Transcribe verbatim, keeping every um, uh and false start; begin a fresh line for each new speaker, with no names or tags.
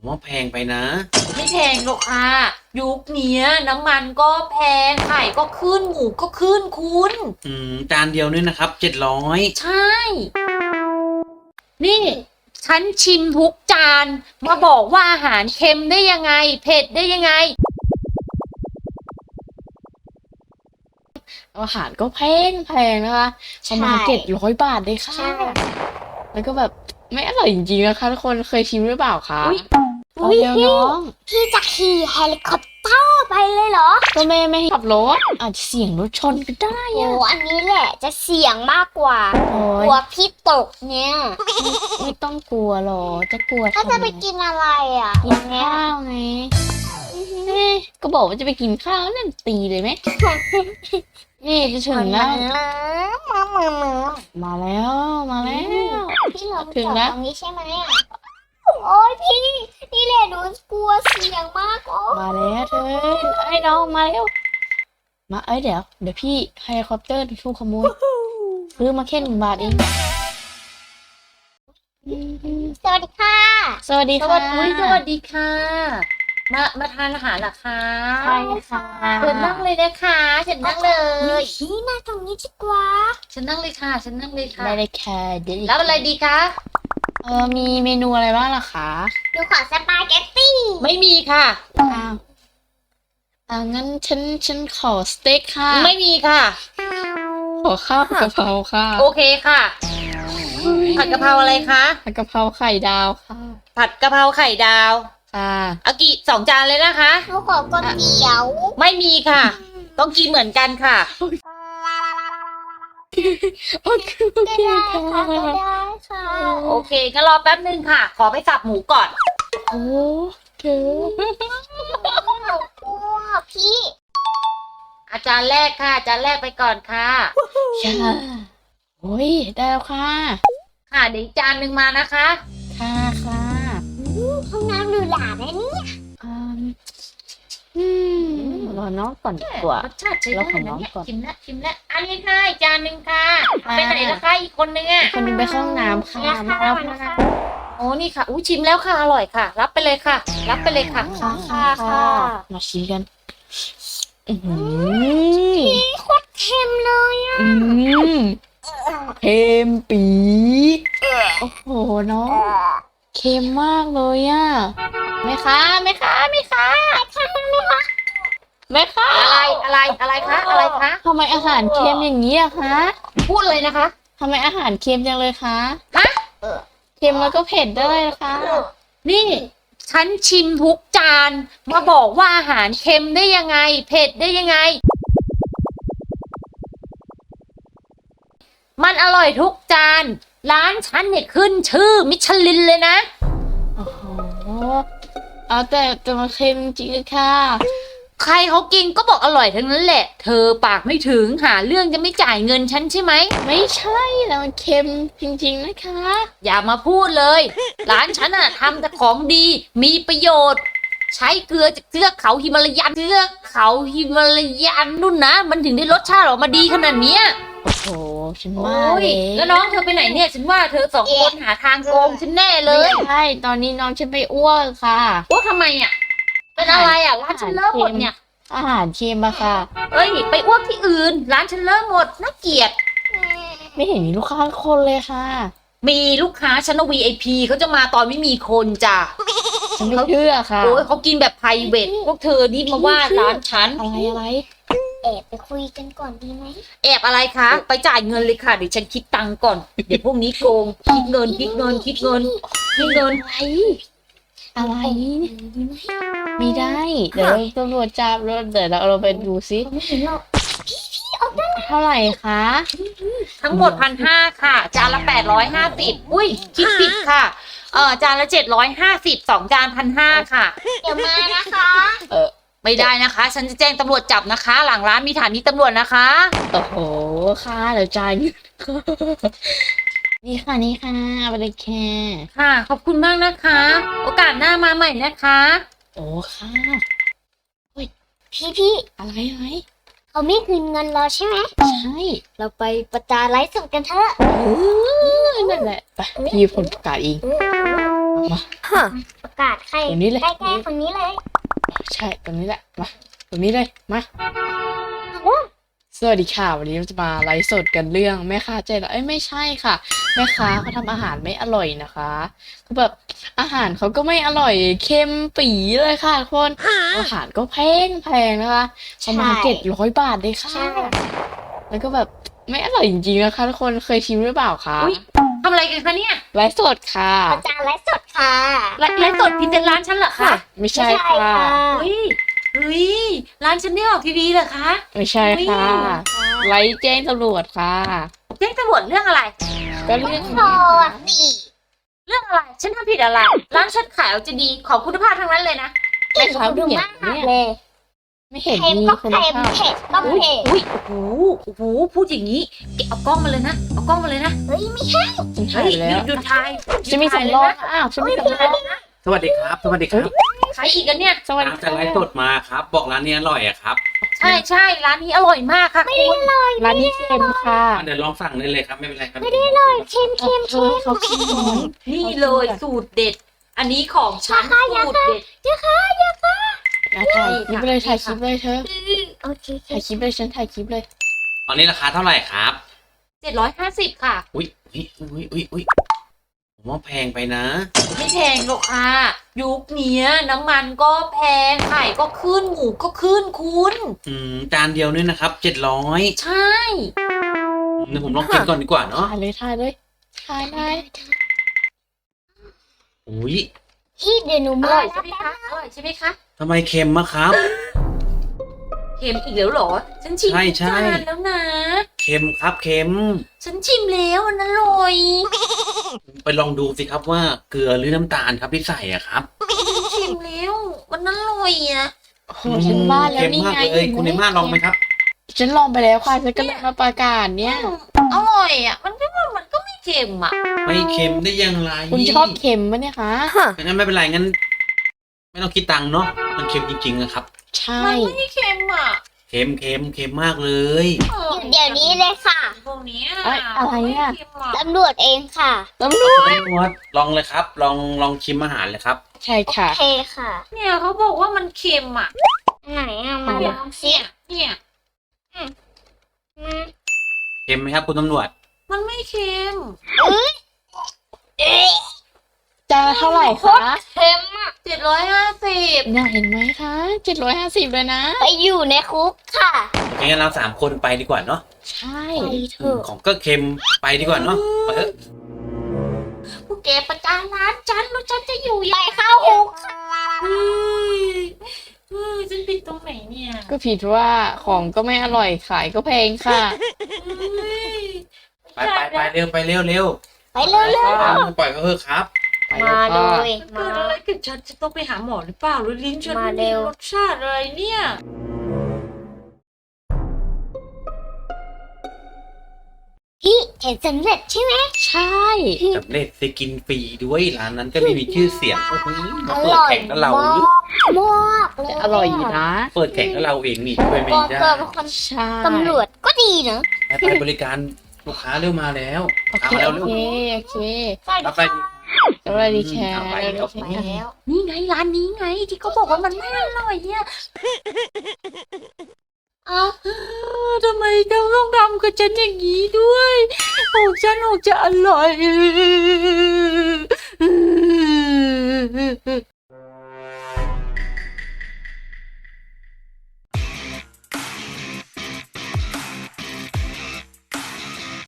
ว่าแพงไปนะ
ไม่แพงหรอกค่ะยุคนี้น้ำมันก็แพงไข่ก็ขึ้นหมูก็ขึ้นคุณ
อืมจานเดียวเนี่ยนะครับเจ็ดร้อย
ใช่ นี่ฉันชิมทุกจานมาบอกว่าอาหารเค็มได้ยังไงเผ็ดได้ยังไงอาหารก็แพงแพงนะคะประมาณเจ็ดร้อยบาทเลยค่ะแล้วก็แบบไม่อร่อยจริงๆนะคะทุกคนเคยชิมหรือเปล่าคะ
อุ้ยพี่พี่จะขี่เฮลิคอปเตอร์ไปเลยเหรอ
ก็แม่ไม่ให้ขับรถอาจจะเสี่ยงรถชนก็ได้
โอ้อันนี้แหละจะเสี่ยงมากกว่ากลัวพี่ตกเนี่ย
ไม่ต้องกลัวหรอกจะกลัว
ถ้าจะไปกินอะไรอ่ะ
กินข้าวไงก็บอกว่าจะไปกินข้าวนั่นตีเลยไหมนี่จะถึงแล้ว
มามามา
มาแล้วมาแล้ว
พี่เราถึงแล้วตรงนี้ใช่ไหมอ่ะโอ้ยพี่นี่แหละหนูกลัวเสี่ยงมากโอ้
มาแล้วเธอไอ้น้องมาแล้วมาเอ้ยเดี๋ยวเดี๋ยวพี่เฮลิคอปเตอร์ถูกขโมยซื้อมาแค่หนึ่งบาทเอง
สวัสดีค่ะ
สวัสดีค่ะสวัสดีค่ะมามาทานอาหารเหรอคะ
ใช่ค่ะ
เชิญนั่งเลยนะคะเชิญนั่งเลย
พี่นั่งตรงนี้ดีกว่า
เชิญนั่งเลยค่ะเชิญนั่งเลยค่ะ
ได้เลยค่ะเดี๋ยว
แล้วอะไรดีคะเออมีเมนูอะไรบ้างล่ะคะ
ดูขอสปาเกตตี้
ไม่มีค่ะอ้าวอ่างั้นฉันฉันขอสเต็กค่ะไม่มีค่ะขอข้าวผัดกะเพราค่ะโอเคค่ะผัดกะเพราอะไรคะผัดกะเพราไข่ดาวค่ะผัดกะเพราไข่ดาวค่ะเอากี่สองจานเลยนะคะ
หนูขอก๋วยเตี๋ยว
ไม่มีค่ะต้องกินเหมือนกันค่ะโอเคโอเคค่ะ
ได้ค่ะ
โอเคงั้นรอแป๊บนึงค่ะขอไปสับหมูก่อนโอเค
พี่
อาจารย์แรกค่ะอาจารย์แรกไปก่อนค่ะค่ะโอ้ยได้แล้วค่ะค่ะเดี๋ยวจานหนึ่งมานะคะค่ะค่ะ
ห้องน้ำหรูหราไหมเนี่ย
อืมรอน้องก่อนดีกว่ารสชาติใช้ได้นะเนี่ยชิมแล้วชิมแล้วอันนี้ค่ะจานหนึ่งค่ะไปไหนแล้วคะอีกคนนึงอ่ะคนนึงไปเข้าห้องน้ำค่ะมาแล้วค่ะโอ้นี่ค่ะอู้ชิมแล้วค่ะอร่อยค่ะรับไปเลยค่ะรับไปเลยค่ะ
ค่ะค่ะค่ะ
มาชิมกัน
พี่โคตรเค็มเลยอ่ะ
เค็มปีโอ้โหน้องเค็มมากเลยอ่ะแม่ค้าแม่ค้าแม่ค้าแม่ค้าอะไรอะไรอะไรคะอะไรคะทำไมอาหารเค็มอย่างนี้อะคะพูดเลยนะคะทำไมอาหารเค็มจังเลยคะฮะเค็มแล้วก็เผ็ดด้วยนะคะนี่ฉันชิมทุกจานมาบอกว่าอาหารเค็มได้ยังไงเผ็ดได้ยังไงมันอร่อยทุกจานร้านฉันเนี่ยขึ้นชื่อมิชลินเลยนะโอ้โหเอาแต่แต่มันเค็มจริงค่ะใครเขากินก็บอกอร่อยทั้งนั้นแหละเธอปากไม่ถึงหาเรื่องจะไม่จ่ายเงินฉันใช่ไหมไม่ใช่แต่มันเค็มจริงๆนะคะอย่ามาพูดเลยร้านฉันอะทำแต่ของดีมีประโยชน์ใช้เกลือจากเทือกเขาฮิมาลายันเทือกเขาฮิมาลายันนู่นนะมันถึงได้รสชาติออกมาดีขนาดเนี้ยโอ้โหฉันว่าเลยแล้วน้องเธอไปไหนเนี่ยฉันว่าเธอสองคนหาทางโกงฉันแน่เลยใช่ตอนนี้น้องฉันไปอ้วกค่ะอ้วกทำไมอ่ะเป็นอะไรอ่ะร้านฉันเลิกหมดเนี่ยอาหารเค็มอะค่ะเอ้ยไปอ้วกที่อื่นร้านฉันเลิกหมดน่าเกลียดไม่เห็นมีลูกค้าคนเลยค่ะมีลูกค้าฉัน วี ไอ พี เขาจะมาตอนไม่มีคนจ้ะฉันไม่เชื่อค่ะโอ้ยเขากินแบบไพรเวทพวกเธอนี่มาว่าร้านฉันอะไรอะไร
แอบไปคุยกันก่อนดีไหม
แอบอะไรคะไปจ่ายเงินเลยค่ะเดี๋ยวฉันคิดตังค์ก่อนเดี๋ยวพวกนี้โกงคิดเงินคิดเงินคิดเงินคิดเงินอะไรอะไรไม่ได้เดี๋ยวตำรวจจับรถเดี๋ยวเราเราไปดูซิเท่าไหร่คะทั้งหมดพันห้าค่ะจานละแปดร้อยห้าสิบอุ้ยคิดผิดค่ะเออจานละเจ็ดร้อยห้าสิบสองจานพันห้าค่ะ
เดี๋ยวมานะคะ
เออไม่ได้นะคะฉันจะแจ้งตำรวจจับนะคะ หลังร้านมีฐานีตำรวจนะคะโอ้โหค่ะเดี๋ยวจ่ายนี่ค่ะนี่ค่ะไปเลยแค่ค่ะขอบคุณมากนะคะโอกาสหน้ามาใหม่นะคะโอ้ค่ะ
พี่พี่
อะไรอะไร
เขาไม่คืนเงินเราใช่ไหม
ใช่
เราไปประจานไลฟ์สดกันเถอะ
เออนั่นแหละไปพี่ผลประกาศเอง
ประกาศใคร
ตรงนี้เลย
ใกล้ๆคนนี้เลย
ใช่ตรงนี้แหละมาตรงนี้เลยมาสวัสดีค่ะวันนี้เราจะมาไลฟ์สดกันเรื่องแม่ค้าใจร้ายเอ้ยไม่ใช่ค่ะแม่ค้าเขาทำอาหารไม่อร่อยนะคะคือแบบอาหารเขาก็ไม่อร่อยเค็มปีเลยค่ะทุกคนอาหารก็แพงแพงนะคะประมาณเจ็ดร้อยบาทเลยค่ะ
ใช่
แล้วก็แบบไม่อร่อยจริงๆนะคะทุกคนเคยชิมหรือเปล่าคะ อุ๊ย
ทำอะไรกันคะเนี่ย
ไลฟ์สดค่ะ
อาจารย์ไลฟ์สดค่ะ
ไลไลฟ์สดพิเศษร้านฉันเหรอคะ
ไม่ใช่ค่ะ
เฮ้ยเฮ้ยร้านฉันไม่ออกทีวีเหรอคะ
ไม่ใช่ค่ะไลฟ์แจ้งตำรวจค่ะ
แจ้งตำรวจเรื่องอะไร
ก็เรื่อง
โทษสี่
เรื่องอะไร ฉันทำผิดอะไร ร้านฉันขายเอาจะดีของคุณภาพทั้งนั้นเลยนะ
แม่ค้า
ดู
เห็น
มาก
เนี่ย
เลย
ไม่เห็น
เค็ม
มี
ก็
คุณ
เค็ม
ภาพ
เผ็ดก็
อุ้ย
เผ็ด
อุ้ยโอ้โหโอ้โหพูดอย่างนี้แกเอากล้องมาเลยนะ เอากล้องมาเลยนะ
เฮ้ยไม่ใช่
ฉันถ่า
เฮ้
ย
ย
ไป
หยุ
แล้
ด
ว
หยุดถ่าย
ฉันมีสำรองอ้าวฉันมีสำรอง
สวัสดีครับ สวัสดีครับ
ขายอีกกันเนี่ย
สวัสดี
ตามจะไลฟ์สดมาครับ บอกร้านนี้อร่อยอะครับ
ใช่ใช่ร้านนี้อร่อยมากค่ะคุณ
ร้านนี้เค็มค่ะ
อ่ะเดี๋ยวลองสั่งได้เลยครับ ไม่เป็นไรครับ
ไม่ได้เลยเค็ม
เอ
เค็ม
อเขาเค็ม
นี่เลยสูตรเด็ด อันนี้ของฉันสูตรเด็ด
อ่ะถ่ายคลิปเลยถ่ายคลิปเลยเธอ
โอเค
ถ่ายคลิปเลยฉันถ่ายคลิปเลย
ตอนนี้ราคาเท่าไหร่ครับ
เจ็ดร้อยห้าสิบค่ะ
อุ้ยอุ้ยอุ้ยอุ้ยอุ้ยผมว่าแพงไปนะ
ไม่แพงหรอกค่ะ ยุคเนี้ยน้ำมันก็แพงไข่ก็ขึ้นหมูก็ขึ้นคุณ
อืมจานเดียวเนี่ยนะครับเจ็ดร้อย
ใช่
เดี๋ยวผมลองกินก่อนดีกว่าเนาะ
ถ่ายเลยถ่ายเลยถ่ายได้
อุ้ย
พี่เดี๋ยวหนู
อ
มา
ร่อยใช่ไหมคะอร่อยใช่ไหมคะ
ทำไมเค็มอะครับ
เค็มอีกแล้วเหรอ ฉันชิม
ใช่ใช่
จานแล้วนะ
เค็มครับเค็ม
ฉันชิมแล้วมันอร่อย
ไปลองดูสิครับว่าเกลือหรือน้ำตาลครับที่ใส่อะครับ
ฉันชิมแล้วมันอร่อยอ่ะ
โอ้โหฉันว่าแล้ว
เค็ม
นี่
มาก
ไง
เลยคุณในมาลองไหมครับ
ฉันลองไปแล้วค่ะฉันก็เลยมาประกาศเนี่ย
อร่อยอ่ะ มันก็มันก็ไม่เค็มอ่ะ
ไม่เค็มได้ยังไง
คุณชอบเค็มปะเนี่ยคะ
งั้นไม่เป็นไรงั้น ไม่ต้องคิดตังค์เนาะมันเค็มจริงๆนะครับ
ใช่
มันไม่เค็มอ่ะ
เค็มเค็มเค็มมากเลย
อร่อ
เดี๋ยวนี้เลยค่ะ
พวกเนี้ย
เอ้ยอะไรอ่ะ
ม่เค็มหรอก
ตำรวจเองค่ะ
ตำรวจ
ตำรวจลองเลยครับ ลองลองชิมอาหารเลยครับ
ใช่
โอ
ค่ะ
เคค่ะ
เนี่ยเขาบอกว่ามันเค็มอ่ะ
ไหนอะมา
เนี่ย
ลองสิ
เนี่ยเนี่ย
อืม
เค็มไหมครับคุณตำรวจ
มันไม่เค็ม
เอ๊ะ
จานละเท่าไหร่คะ
เค็มอะ
เจ็ดร้อยห้าสิบ
เนี่ยเห็นไหมคะเจ็ดร้อยห้าสิบเลยนะ
ไปอยู่ในคุกค่ะ
โอเคงั้นเราสามคนไปดีกว่าเนาะ
ใช่
ไปเถ
อืม
อะ
ของก็เค็มไปดีกว่าเนาะไปเถอะ
พวกแกประจานร้านฉันแล้วฉันจะอยู่
ไป
ยังไง
เข้าคุกค่ะ
เฮ้ยเฮ้ยฉันผิดตรงไหนเนี่ย
ก็ผิดว่าของก็ไม่อร่อยขายก็แพงค่ะ
เฮ้ย
ไปไปไปเร็วไปเร็วเร็ว
ไปเร็ว
อ่าปล่อยเขาเถอะครับ
ไป
ๆมาเล
ค่ะ
ย
เกิ
มา
ดอะไรกับฉันจะต้องไปหาหมอหรือเปล่าหรือลิ้นฉัน
มา
ไม่
เร็
มี
ว
รสชาติอะไรเนี่ย
พี่เห็นสำเร็จใช่ไหม
ใช่
สำเร็จได้กินฟรีด้วยร้านนั้นก็ไม่มีชื่อเสียงโอ้โห
อ
มาเปิด
ร่อย
แข่งกับเรา
มาก
หรือ
มากเลย
อร่อยอยู่นะ
เปิดแข่งกับเราเองนี่ช่วยไม่
ก็
ได้
เกิดเป็นคน
ใช่
ตำรวจก็ดีเนอะ
ไปไปบริการลูกค้าเร็วมาแล้ว
โอเค
เอาแล้ว
โอ
เร็ว
เคโอเค
ใช่
รับไปดิ
สวัสดีค่ะ
เอาไป
สวัสดี
เอาไป
ค่ะ
แล้ว
นี่ไงร้านนี้ไงที่เขาบอกว่ามันไม่อร่อยเนี่ยเอาทำไมต้องต้องทำกับฉันอย่างนี้ด้วยของฉันออกจะอร่อย